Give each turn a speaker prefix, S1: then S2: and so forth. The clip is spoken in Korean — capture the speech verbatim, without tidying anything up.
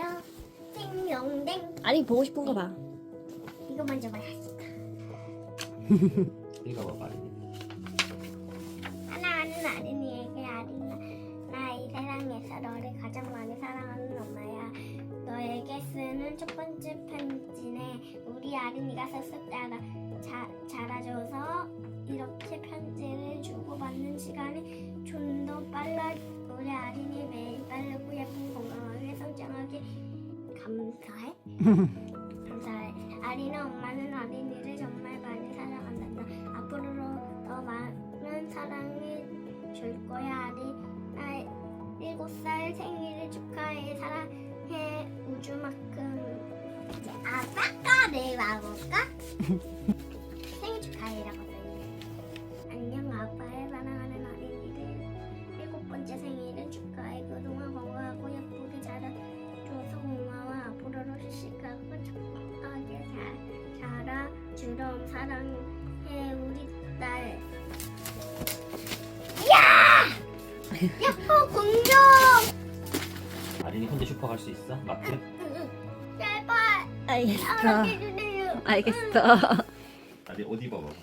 S1: 안녕하세요. 생명댕.
S2: 아니 보고 싶은 거 봐.
S1: 이거 먼저 봐야지.
S3: 읽어봐봐.
S1: 사랑하는 아린이에게 아린아, 나 이 세상에서 너를 가장 많이 사랑하는 엄마야. 너에게 쓰는 첫 번째 편지네. 우리 아린이가 쓱쓱 따라 자, 자라줘서 이렇게 편지를 주고받는 시간이 좀 더 빨라. 우리 아린이 매일 빠르고 예쁜 건강하게 성장하게 감사해. 감사해. 아린아, 엄마는 아린이를 정말 많이 사랑한다. 앞으로 더 많은 사랑을 줄 거야. 아린아, 일곱 살 생일을 축하해. 사랑해. 우주만큼. 이제 아빠까를 와볼까? 생일 축하해라고 써있네. 안녕, 아빠의 사랑하는 아린이를 일곱 번째 생일을 축하해. 그동안 건강하고 예쁘게 자라줘서 고마워. 앞으로도 씩씩하고 착하게 잘 자라. 주럼 사랑해, 우리 딸. 야! 야호, 공룡!
S3: 아린이 혼자 슈퍼 갈 수 있어? 마트?
S1: 제발
S2: 알겠어.
S1: 사랑해주세요.
S2: 알겠어.
S3: 아린 옷 입어봐.